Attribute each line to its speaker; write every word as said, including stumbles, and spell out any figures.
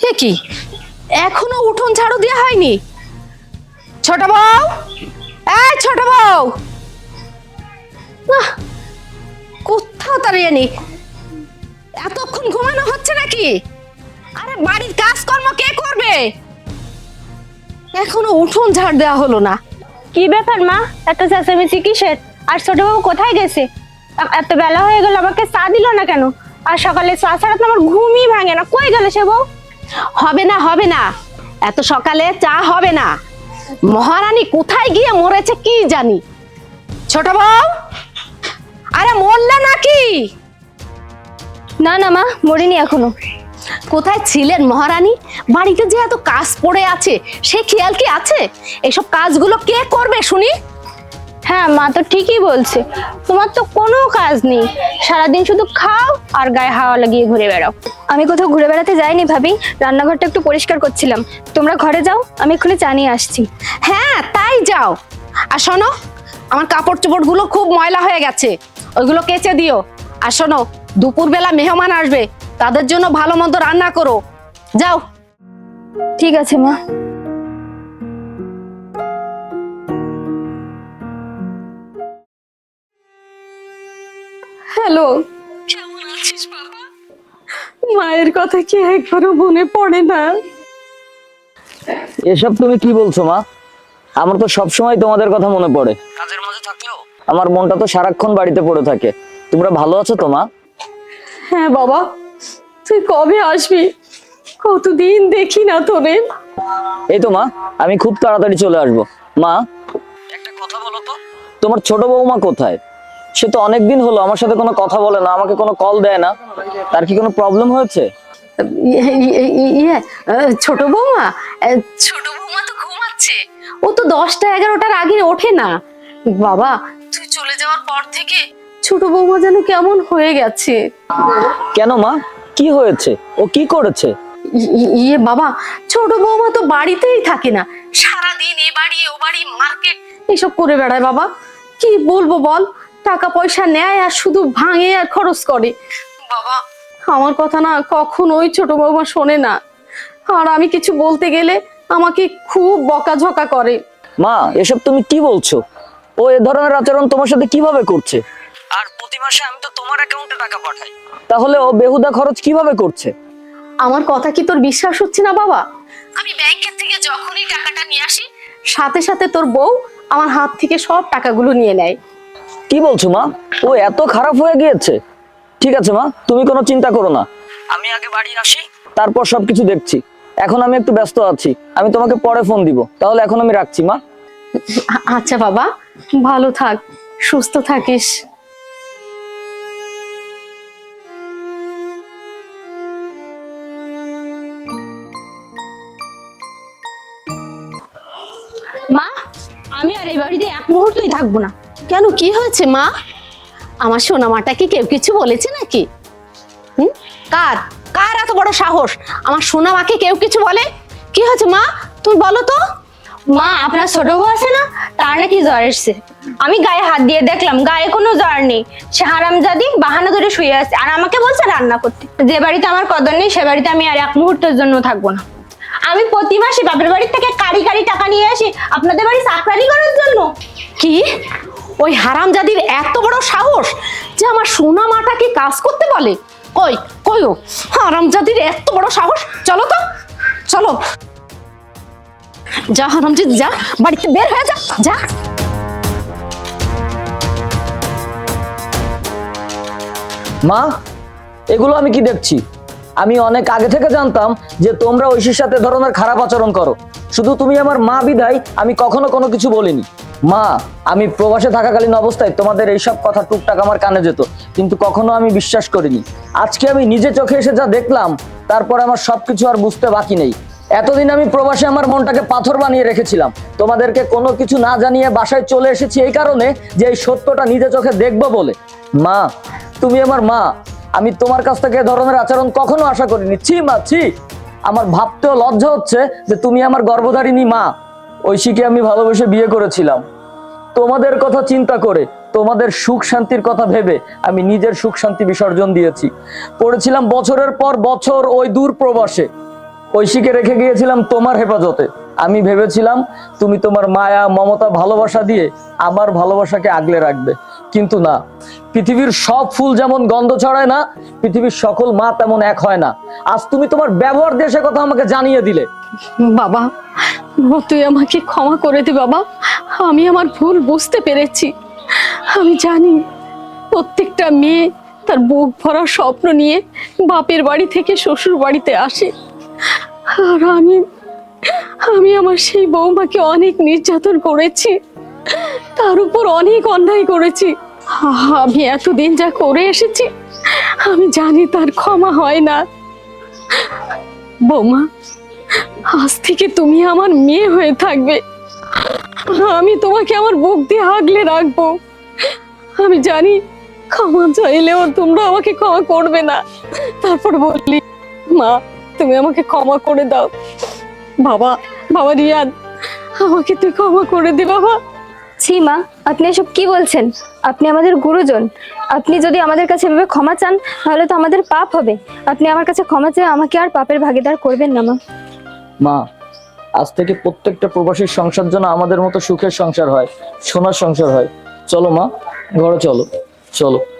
Speaker 1: এ কি এখনো উঠোন ঝাড়ু দেওয়া হয়নি? ছোট বউ, এই ছোট বউ, আহ, কোথাও দাঁড়িয়ে নি, এতক্ষণ ঘুমানো হচ্ছে নাকি? আরে বাড়ির কাজকর্ম কে করবে? এখনো উঠোন ঝাড় দেওয়া হলো না।
Speaker 2: কি ব্যাপার মা, এত চেঁচামেচি কিসের? আর ছোট বাবু কোথায় গেছে? এ- এত বেলা হয়ে গেল, আমাকে চা দিল না কেন? আর সকালে চা ছাড়া তো আমার ঘুমই ভাঙে না। কই গেল সে বউ?
Speaker 1: হবে না হবে না, এত সকালে চা হবে না। মহারানী কোথায় গিয়ে মরেছে কি জানি। ছোট বউ, আরে মরলে নাকি?
Speaker 2: না না মা, মরিনি এখনো।
Speaker 1: কোথায় ছিলেন মহারানী? বাড়িতে যে এত কাজ পড়ে আছে সে খেয়াল কি আছে? এসব কাজগুলো কে করবে শুনি?
Speaker 2: হ্যাঁ মা তো ঠিকই বলছে, তোমার তো কোনো কাজ নেই, সারাদিন শুধু খাও আর গায়ে হাওয়া লাগিয়ে ঘুরে বেড়াও। আমি কোথাও ঘুরে বেড়াতে যাইনি ভাবি, রান্নাঘরটা একটু পরিষ্কার করছিলাম। তোমরা ঘরে যাও, আমি এক্ষুনি চা নিয়ে আসছি।
Speaker 1: হ্যাঁ তাই যাও। আর শোনো, আমার কাপড় চোপড় গুলো খুব ময়লা হয়ে গেছে, ওইগুলো কেচে দিও। আর শোনো, দুপুরবেলা মেহমান আসবে, তাদের জন্য ভালো মন্দ রান্না করো। যাও।
Speaker 2: ঠিক আছে মা।
Speaker 1: হ্যালো, কেমন আছিস বাবা? মায়ের কথা কি একবারও মনে পড়ে না?
Speaker 3: এসব তুমি কি বলছো মা? আমার তো সবসময় তোমাদের কথা মনে পড়ে। কাজের মাঝে থাকলেও আমার মনটা তো সারাক্ষণ বাড়িতে পড়ে থাকে। তোমরা ভালো আছো তো মা?
Speaker 1: হ্যাঁ বাবা, তুই কবে আসবি? কতদিন দেখি না তোরে।
Speaker 3: এই তো মা, আমি খুব তাড়াতাড়ি চলে আসবো। মা, একটা কথা বলো তো, তোমার ছোট বৌমা কোথায়? সে তো অনেকদিন হলো আমার সাথে কোনো কথা বলে না, আমাকে কোনো কল দেয় না। তার কি কোনো প্রবলেম হয়েছে?
Speaker 1: ইয়ে, ইয়ে, ইয়ে, আহ, ছোট বৌমা, আহ, ছোট বৌমা তো ঘুমাচ্ছে। ও তো দশটা এগারোটার আগে ওঠে না বাবা। তুই চলে যাওয়ার পর থেকে ছোট বৌমা যেন কেমন হয়ে গেছে।
Speaker 3: কেন মা, কি হয়েছে? ও কি করেছে?
Speaker 1: ই- ই- ইয়ে বাবা, ছোট বৌমা তো বাড়িতেই থাকে না, সারাদিন এ বাড়ি ও বাড়ি মার্কেট এসব করে বেড়ায় বাবা। কি বলবো বল, টাকা পয়সা নেয় আর শুধু ভাঙে আর খরচ করে বাবা। আমার কথা না কখনোই ছোট বৌমা শোনে না, আর আমি কিছু বলতে গেলে আমাকে খুব বকাঝকা করে।
Speaker 3: মা, এসব তুমি কি বলছো? ও এ ধরনের আচরণ তোমার সাথে কিভাবে করছে? আর প্রতি মাসে আমি তো তোমার অ্যাকাউন্টে টাকা পাঠাই, তাহলে ও বেহুদা খরচ কিভাবে করছে?
Speaker 1: আমার কথা কি তোর বিশ্বাস হচ্ছে না বাবা? আমি ব্যাংকের থেকে যখনই টাকাটা নিয়ে আসি, সাথে সাথে তোর বউ আমার হাত থেকে সব টাকাগুলো নিয়ে নেয়।
Speaker 3: কি বলছো মা? ও এত খারাপ হয়ে গিয়েছে? ঠিক আছে মা, তুমি কোনো চিন্তা করো না, আমি আগে বাড়ি আসি, তারপর সবকিছু দেখছি। এখন আমি একটু ব্যস্ত আছি, আমি তোমাকে পরে ফোন দিব। তাহলে এখন আমি রাখছি মা।
Speaker 1: আ- আচ্ছা বাবা, ভালো থাক, সুস্থ থাকিস।
Speaker 2: মা, আমি আর এই বাড়িতে এক মুহূর্তই থাকবো না।
Speaker 1: কেন, কি হয়েছে মা? আমার সোনামাটা কি কেউ কিছু বলেছে নাকি? হুম, কার কার এত বড় সাহস আমার সোনামাকে কেউ কিছু বলে? কি হয়েছে মা, তুমি বলো তো।
Speaker 2: মা, আপনার ছোট বউ আছে না, তার নাকি জ্বর এসছে। আমি গায়ে হাত দিয়ে দেখলাম, গায়ে কোনো জ্বর নেই। সে হারামজাদি বাহানা ধরে শুয়ে আছে আর আমাকে বলছে রান্না করতে। যে বাড়িতে আমার কদর নেই সে বাড়িতে আমি আর এক মুহূর্তের জন্য থাকবো না। আমি প্রতি মাসে বাপের বাড়ি থেকে কারি কারি টাকা নিয়ে আসি আপনাদের বাড়ি চাকরানি করার জন্য।
Speaker 1: কি, ওই হারামজাদির এত বড় সাহস যে আমার সোনামাটাকে কাজ করতে বলে? কই কই ও হারামজাদির এত বড় সাহস? চলো তো, চলো। যা হারামজাদি, যা, বাড়িতে বের হয়ে যা, যা।
Speaker 3: মা, এগুলো আমি কি দেখছি? আমি অনেক আগে থেকে জানতাম যে তোমরা ঐশীর সাথে এ ধরনের খারাপ আচরণ করো। শুধু তুমি আমার মা বিধায় আমি কখনো কোনো কিছু বলিনি। মা, আমি প্রবাসে থাকাকালীন অবস্থায় তোমাদের এইসব কথা টুকটাক আমার কানে যেত, কিন্তু কখনো আমি বিশ্বাস করিনি। আজকে আমি নিজে চোখে এসে যা দেখলাম, তারপর আমার সবকিছু আর বুঝতে বাকি নেই। এতদিন আমি প্রবাসে আমার মনটাকে পাথর বানিয়ে রেখেছিলাম, তোমাদেরকে কোনো কিছু না জানিয়ে বাসায় চলে এসেছি এই কারণে যে এই সত্যটা নিজে চোখে দেখবো বলে। মা, তুমি আমার মা, আমি তোমার কাছ থেকে এ ধরনের আচরণ কখনো আশা করিনি। ছি মা, ছি। আমার ভাবতেও লজ্জা হচ্ছে যে তুমি আমার গর্ভধারিণী মা। ঐশীকে আমি ভালোবেসে বিয়ে করেছিলাম তোমাদের কথা চিন্তা করে, তোমাদের সুখ শান্তির কথা ভেবে আমি নিজের সুখ শান্তি বিসর্জন দিয়েছি। পড়েছিলাম বছরের পর বছর ওই দূর প্রবাসে। ঐশীকে রেখে গিয়েছিলাম তোমার হেফাজতে। আমি ভেবেছিলাম তুমি তোমার মায়া মমতা ভালোবাসা দিয়ে আমার ভালোবাসাকে আগলে রাখবে, কিন্তু না। পৃথিবীর সব ফুল যেমন গন্ধ ছড়ায় না, পৃথিবীর সকল মা তেমন এক হয় না। আজ তুমি তোমার ব্যবহার দিয়ে সে কথা আমাকে জানিয়ে দিলে।
Speaker 1: বাবা, বাবা, তুই আমাকে ক্ষমা করে দে বাবা। আমি আমার ভুল বুঝতে পেরেছি। আমি জানি প্রত্যেকটা মেয়ে তার বুক ভরা স্বপ্ন নিয়ে বাপের বাড়ি থেকে শ্বশুর বাড়িতে আসে, আর আমি আমি আমার সেই বৌমাকে অনেক নির্যাতন করেছি, তার উপর অনেক অন্যায় করেছি। আমি এতদিন যা করে এসেছি আমি জানি তার ক্ষমা হয় না। বৌমা, আজ থেকে তুমি আমার মেয়ে হয়ে থাকবে। আমি তোমাকে আমার বুক দিয়ে আগলে রাখবো। আমি জানি ক্ষমা চাইলেও তোমরা আমাকে ক্ষমা করবে না, তারপর বললি মা তুমি আমাকে ক্ষমা করে দাও। বাবা, বাবা রিয়াদ, আমাকে তুই ক্ষমা করে দে বাবা।
Speaker 2: ছি মা, আপনি এসব কি বলছেন? আপনি আমাদের গুরুজন। আপনি যদি আমাদের কাছে এভাবে ক্ষমা চান তাহলে তো আমাদের পাপ হবে। আপনি আমার কাছে ক্ষমা চেয়ে আমাকে আর পাপের ভাগীদার করবেন না মা।
Speaker 3: মা, আজ থেকে প্রত্যেকটা প্রবাসীর সংসার যেন আমাদের মতো সুখের সংসার হয়, সোনার সংসার হয়। চলো মা, ঘরে চলো, চলো।